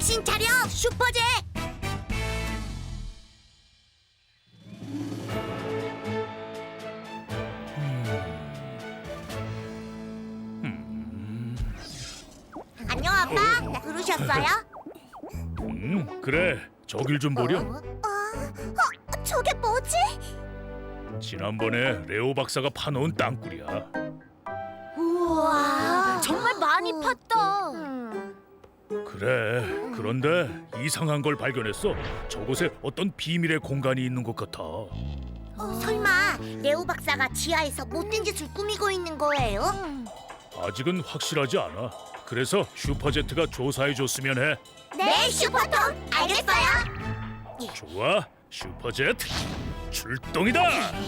정신 차려, 슈퍼잭! 안녕, 아빠. 부르셨어요? 그래. 저길 좀 보렴. 저게 뭐지? 지난번에 레오 박사가 파놓은 땅굴이야. 우와, 정말 많이 팠다. 그래. 그런데 이상한 걸 발견했어. 저곳에 어떤 비밀의 공간이 있는 것 같아. 설마 레오 박사가 지하에서 못된 짓을 꾸미고 있는 거예요? 아직은 확실하지 않아. 그래서 슈퍼제트가 조사해줬으면 해. 네, 슈퍼톰. 알겠어요. 좋아. 슈퍼제트 출동이다.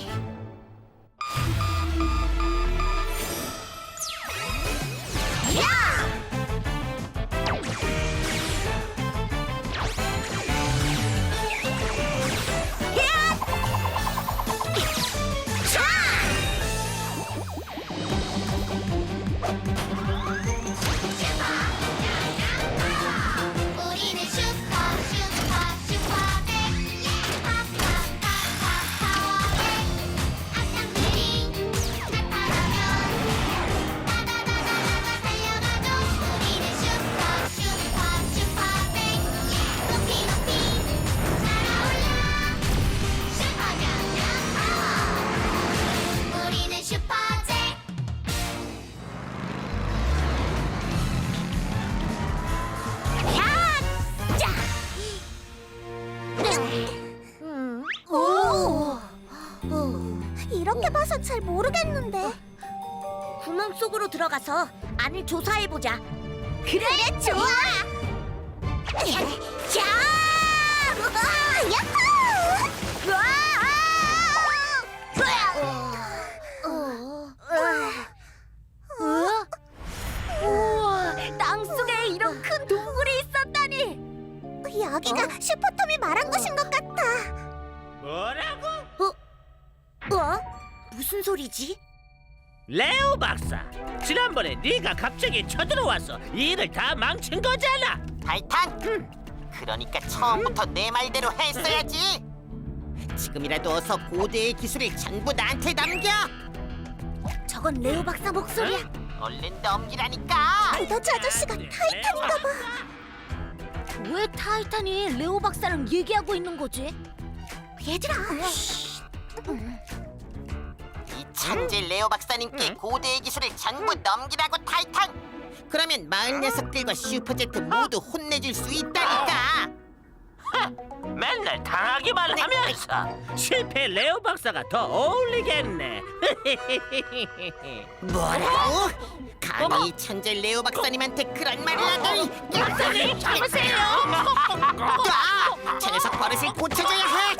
우리는 슈퍼백 파파파파파워백 악당들이 나타나면 다다다다다다 달려가죠. 우리는 슈퍼백 높이 높이 날아올라 슈퍼명령 파워. 우리는 슈퍼잭. 이렇게 봐서 잘 모르겠는데. 구멍 속으로 들어가서 안을 조사해보자. 그래, 좋아. 자, 야호! 우와, 땅 속에 이런 큰 동굴이 있었다니. 여기가 슈퍼톰이 말한 곳인 것 같아. 뭐라고? 무슨 소리지? 레오 박사, 지난번에 네가 갑자기 쳐들어와서 일을 다 망친 거잖아. 타이탄! 그러니까 처음부터 내 말대로 했어야지. 지금이라도 어서 고대의 기술을 전부 나한테 넘겨. 저건 레오 박사 목소리야. 얼른 넘기라니까. 도다지 아저씨가 타이탄인가 봐. 왜 타이탄이 레오 박사랑 얘기하고 있는 거지? 얘들아. 이 천재 레오 박사님께 고대의 기술을 전부 넘기라고, 타이탄. 그러면 마을 녀석들과 슈퍼제트 모두 혼내줄 수 있다니까. 맨날 당하기만 하면서 실패 레오 박사가 더 어울리겠네. 뭐라고? 감히 천재 레오 박사님한테 그런 말을 하다니. 박사님 잡으세요. 저 녀석 버릇을 고쳐줘야 해.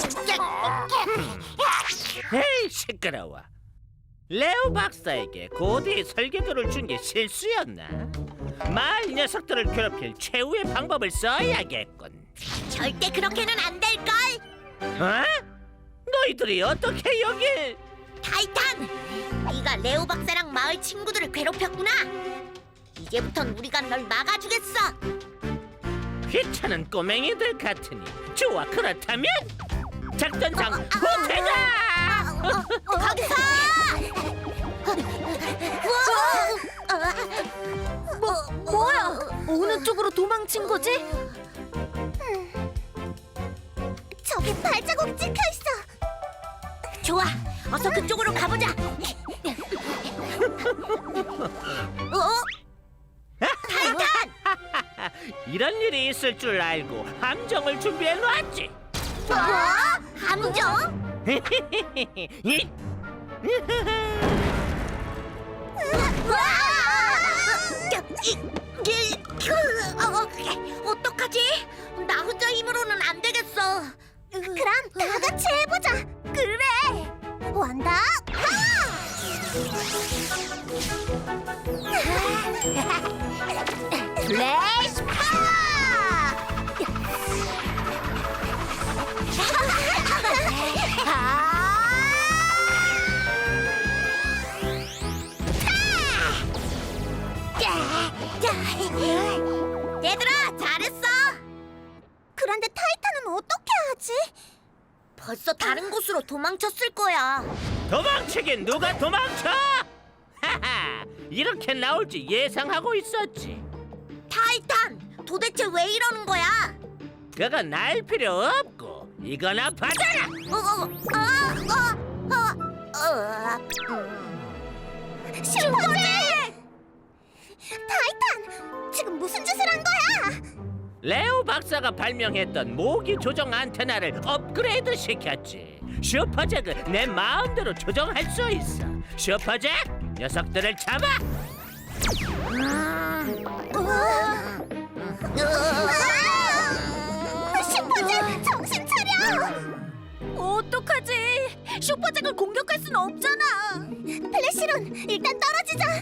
에이 시끄러워. 레오 박사에게 고대의 설계도를 준 게 실수였나? 마을 녀석들을 괴롭힐 최후의 방법을 써야겠군. 절대 그렇게는 안 될걸. 어? 너희들이 어떻게 여길? 타이탄, 네가 레오 박사랑 마을 친구들을 괴롭혔구나. 이제부턴 우리가 널 막아주겠어. 귀찮은 꼬맹이들 같으니 좋아. 그렇다면 작전상 후퇴다. 거기서! 뭐야? 어느 쪽으로 도망친 거지? 저기 발자국 찍혀 있어. 좋아, 어서 그쪽으로 가보자. 타이탄! 이런 일이 있을 줄 알고 함정을 준비해 놨지. 뭐? 함정? 어떡하지? 나 혼자 힘으로는 안 되겠어. 그럼 다 같이 해보자. 그래. 원더 플래시 파워! 얘들아, 잘했어. 그런데 타이탄은 어떻게 하지? 벌써 다른 곳으로 도망쳤을 거야. 도망치긴 누가 도망쳐? 하하, 이렇게 나올지 예상하고 있었지. 타이탄, 도대체 왜 이러는 거야? 그건 알 필요 없고 이거나 받아라. 슈퍼잭! 타이탄, 지금 무슨 짓을 한 거야? 레오 박사가 발명했던 모기 조정 안테나를 업그레이드 시켰지. 슈퍼잭을 내 마음대로 조정할 수 있어. 슈퍼잭, 녀석들을 잡아. 슈퍼잭, 정신 차려! 어떡하지? 슈퍼잭을 공격할 순 없잖아. 플래시론, 일단 떨어지자.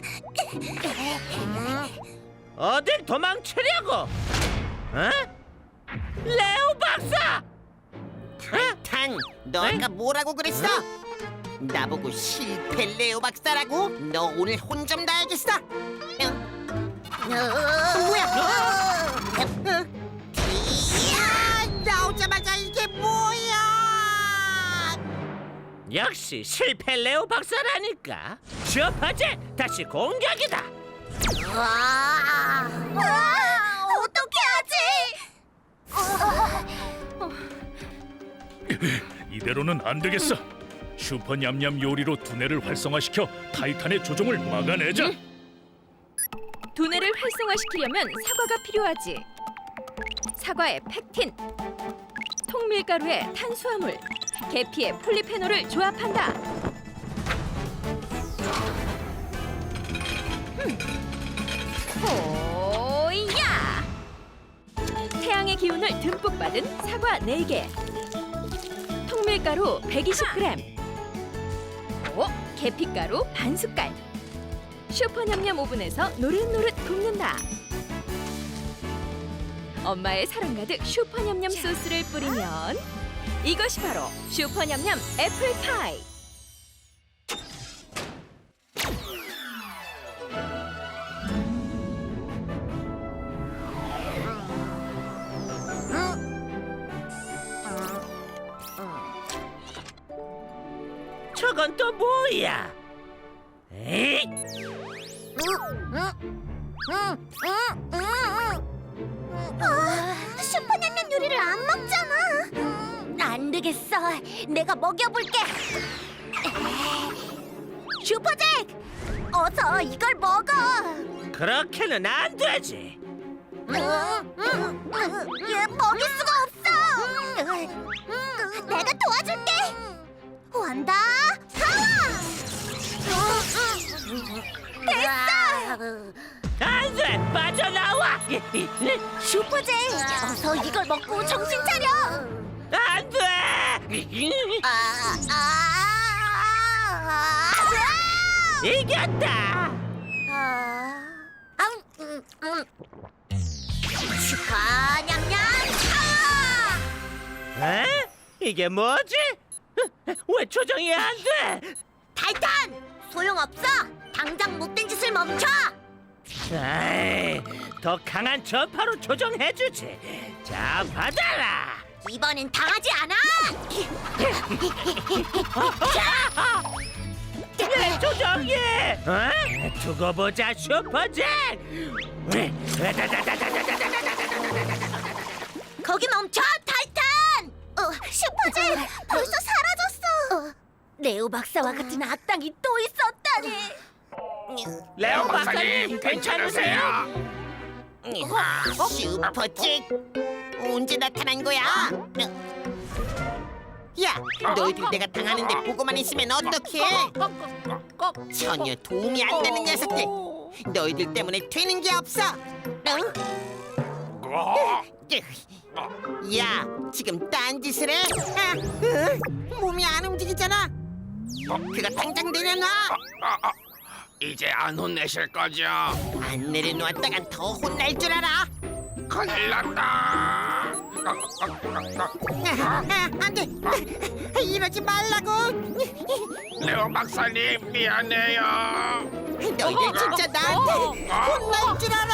어딜 도망치려고? 어? 레오 박사! 타이탄, 너 아까 뭐라고 그랬어? 나보고 실패 레오 박사라고? 너 오늘 혼 좀 나야겠어. 뭐야? 이야, 나오자마자 이게 뭐야? 역시 실패 레오 박사라니까. 슈퍼잭, 다시 공격이다. 어떻게 하지? 이대로는 안 되겠어. 슈퍼 냠냠 요리로 두뇌를 활성화시켜 타이탄의 조종을 막아내자. 두뇌를 활성화시키려면 사과가 필요하지. 사과에 팩틴, 통밀가루에 탄수화물, 계피에 폴리페놀을 조합한다. 호야! 태양의 기운을 듬뿍 받은 사과 4개, 통밀가루 120g, 계피가루 반 숟갈. 슈퍼냠냠 오븐에서 노릇노릇 굽는다. 엄마의 사랑 가득 슈퍼냠냠 소스를 뿌리면 이것이 바로 슈퍼냠냠 애플파이. 저건 또 뭐야? 에이? 슈퍼냠냠 요리를 안 먹잖아. 안 되겠어. 내가 먹여볼게. 슈퍼잭, 어서 이걸 먹어. 그렇게는 안 되지. 얘 먹일 수가 없어. 내가 도와줄게. 완다 파워. 됐어. 안 돼, 빠져나와. 슈퍼잭, 어서 이걸 먹고 정신 차려. 안 돼. 이겼다. 슈퍼 냠냠 파워. 에? 이게 뭐지? 왜 조정이 안 돼? 타이탄, 소용없어. 당장 못된 짓을 멈춰. 에이, 더 강한 전파로 조정해주지. 자, 받아라. 이번엔 당하지 않아. 내 조정이. 두고 보자, 슈퍼잭. 거기 멈춰, 타이탄. 슈퍼잭, 벌써 사라졌어. 레오 박사와 같은 악당이 또 있었다니. 레오 박사님, 괜찮으세요? 슈퍼잭, 언제 나타난 거야? 야, 너희들 내가 당하는데 보고만 있으면 어떡해? 전혀 도움이 안 되는 녀석들. 너희들 때문에 되는 게 없어. 야, 지금 딴짓을 해? 몸이 안 움직이잖아. 그거 당장 내려놔. 이제 안 혼내실 거죠? 안 내려놓았다간 더 혼날 줄 알아. 큰일 났다. 안 돼. 이러지 말라고. 레오 박사님 미안해요. 너희들 진짜 나한테 혼날 줄 알아.